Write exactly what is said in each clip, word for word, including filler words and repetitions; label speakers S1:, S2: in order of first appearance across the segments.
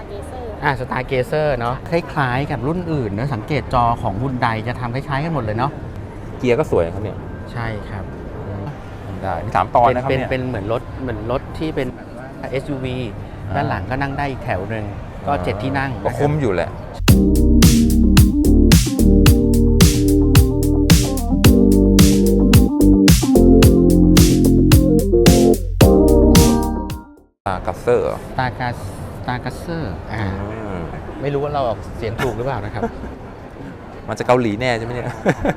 S1: เกเซอร์
S2: อ่าสตาร์เกเซอร์เนาะคล้ายๆกับรุ่นอื่นนะสังเกตจอของฮุนไดจะทำคล้ายๆกันหมดเลยเนาะ
S3: เกียร์ก็สวยครับเนี่ย
S2: ใช่ครับ
S3: ได้มีสามตอนนะครับ
S2: เป็น
S3: เนี่ย
S2: เป็นเหมือนรถเหมือนรถที่เป็น เอส ยู วี ด้านหลังก็นั่งได้อีกแถวหนึ่งก็เจ็ดที่นั่ง
S3: ก็คุ้มอยู่แหละตากัสเซอร์
S2: ตากาตากัสเซอร์อ่าไม่รู้ว่าเราออกเสียงถูกหรือเปล่านะครับ
S3: มันจะเกาหลีแน่ใช่ไหมเนี่ย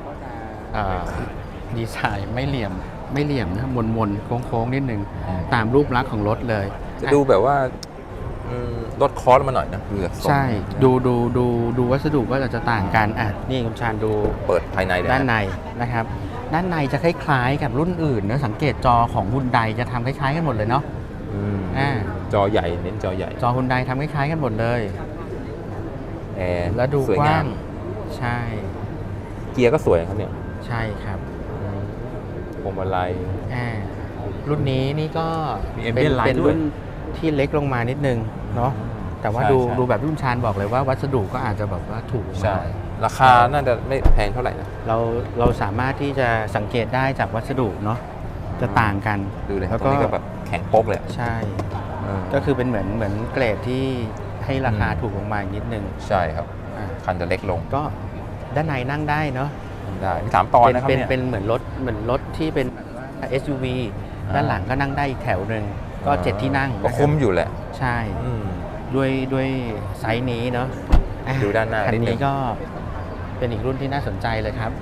S2: ดีไซน์ไม่เหลี่ยมไม่เหลี่ยมนะมนมนโค้งโค้งนิดนึงตามรูปลักษณ์ของรถเลย
S3: จะดูแบบว่าลดคอสมาหน่อยนะดูจาก
S2: ใช่ดูดูดูดูวัสดุก็จะต่างกันอ่ะนี่คุณชาญดู
S3: เปิดภายใน
S2: ด้านในนะครับด้านในจะคล้ายๆกับรุ่นอื่นนะสังเกตจอของฮุนไดจะทำคล้ายๆกันหมดเลยเนาะ
S3: อ่าจอใหญ่เน้นจอใหญ่
S2: จอฮุนไดทำคล้ายๆกันหมดเลย
S3: แอร์
S2: แล้วดูกว้างใช่
S3: เกียร์ก็สวยครับเนี่ย
S2: ใช่ครับ
S3: พวงมาลัย
S2: อ่ารุ่นนี้นี่ก็
S3: เป็น
S2: เป็นรุ่นที่เล็กลงมานิดนึงเนาะแต่ว่าดูดูแบบรุ่นชานบอกเลยว่าวัสดุก็อาจจะแบบว่าถูก
S3: ใช่ราคาน่าจะไม่แพงเท่าไหร่นะ
S2: เราเราสามารถที่จะสังเกตได้จากวัสดุเนาะจะต่างกัน
S3: ดูเลยแล้วก็แบบแข็งโป๊กเลย
S2: ใช่ก็คือเป็นเหมือนเหมือนเกรดที่ให้ราคาถูกลงมาอีกนิดนึง
S3: ใช่ครับคันจะเล็กลง
S2: ก็ด้านในนั่งได้เนาะ
S3: ได้มีสามตอนนะครับ
S2: เป็นเป็นเหมือนรถเหมือนรถที่เป็น เอส ยู วี ด้านหลังก็นั่งได้อีกแถวหนึ่งก็เจ็ดที่นั่ง
S3: ก็คุ้มอยู่แหละ
S2: ใช่ด้วยด้วยไซส์นี้เนาะ
S3: ดูด้านหน้า
S2: คันนี้ก็เป็นอีกรุ่นที่น่าสนใจเลยครับ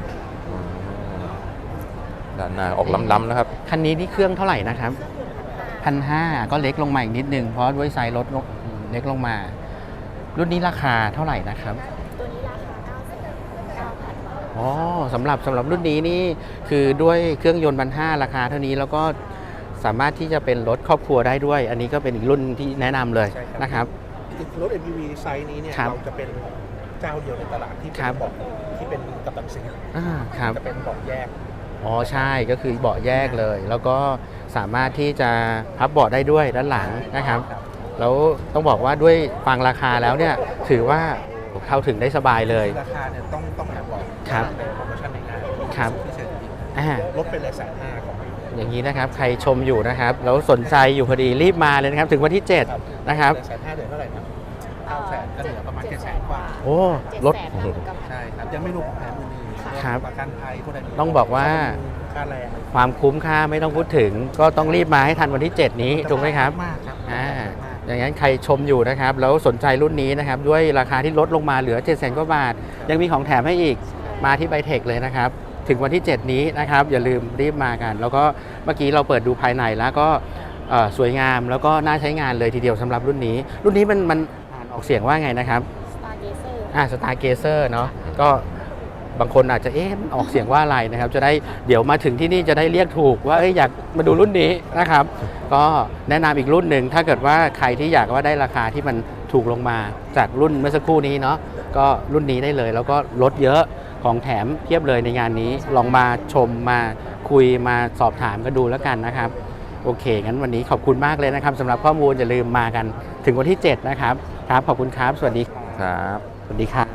S3: ด้านหน้าออกล้ำๆนะครับ
S2: คันนี้นี่เครื่องเท่าไหร่นะครับพันห้าก็เล็กลงมาอีกนิดนึงเพราะด้วยไซส์รถเล็กลงมารุ่นนี้ราคาเท่าไหร่นะครับ
S1: ตัวนี้ราคาเก้าแสนเก้าพันบาท
S2: อ๋อสำหรับสำหรับรุ่นนี้นี่คือด้วยเครื่องยนต์พันห้าราคาเท่านี้แล้วก็สามารถที่จะเป็นรถครอบครัวได้ด้วยอันนี้ก็เป็นอีกรุ่นที่แนะนำเลยนะครับ
S4: รถ เอ็ม พี วี ไซส์นี้เนี่ยเราจะเป็นเจ้าเดียวในตลาดที่เป็นเบาะที่เป็นกัปตันซีจะเป็นเบาะแยก
S2: อ๋อใช่ก็คือเบาะแยกเลยแล้วก็สามารถที่จะพับเบาะได้ด้วยด้านหลังนะครับแล้วต้องบอกว่าด้วยฟังราคาแล้วเนี่ยถือว่าเข้าถึงได้สบายเลย
S4: ราคาเนี่ยต้องต้องแบบบอก
S2: ครับ
S4: ในโปรโมชั่นในงาน
S2: ครับ
S4: ลดเป็นเลยแสนห้าของ
S2: อย่างนี้นะครับใครชมอยู่นะครับแล้วสนใจอยู่พอดีรีบมาเลยนะครับถึงวันที่เจ็ดนะครับ
S4: แสนห้าเหลือเท่าไหร่นะเก้าแสนก็เหลือประมาณเจ็ดแสนกว่า
S2: โอ้ลด
S4: ใช่ครับยังไม่รวมของแถมอื่น
S2: ครับ
S4: ประกันภัยพวก
S2: นั้นต้องบอกว่า
S4: ค่าแรง
S2: ความคุ้มค่าไม่ต้องพูดถึงก็ต้องรีบมาให้ทันวันที่เจ็ดนี้ถูกไหมครับ
S4: มากครับ
S2: อ่าอย่างนั้นใครชมอยู่นะครับแล้วสนใจรุ่นนี้นะครับด้วยราคาที่ลดลงมาเหลือเจ็ดแสนกว่าบาทยังมีของแถมให้อีกมาที่ไบเทคเลยนะครับถึงวันที่เจ็ดนี้นะครับอย่าลืมรีบมากันแล้วก็เมื่อกี้เราเปิดดูภายในแล้วก็สวยงามแล้วก็น่าใช้งานเลยทีเดียวสำหรับรุ่นนี้รุ่นนี้มันมันอ่านออกเสียงว่าไงนะครับ
S1: Stargazer
S2: อ่า Stargazer เนาะก็บางคนอาจจะเอ๊ะออกเสียงว่าอะไรนะครับจะได้เดี๋ยวมาถึงที่นี่จะได้เรียกถูกว่าเอ้ยอยากมาดูรุ่นนี้นะครับก็แนะนำอีกรุ่นหนึ่งถ้าเกิดว่าใครที่อยากว่าได้ราคาที่มันถูกลงมาจากรุ่นเมื่อสักครู่นี้เนาะก็รุ่นนี้ได้เลยแล้วก็ลดเยอะของแถมเพียบเลยในงานนี้ลองมาชมมาคุยมาสอบถามกันดูแล้วกันนะครับโอเคงั้นวันนี้ขอบคุณมากเลยนะครับสำหรับข้อมูลอย่าลืมมากันถึงวันที่เจ็ดนะครับครับขอบคุณครับสวัสดี
S3: ครับ
S2: สวัสดีครับ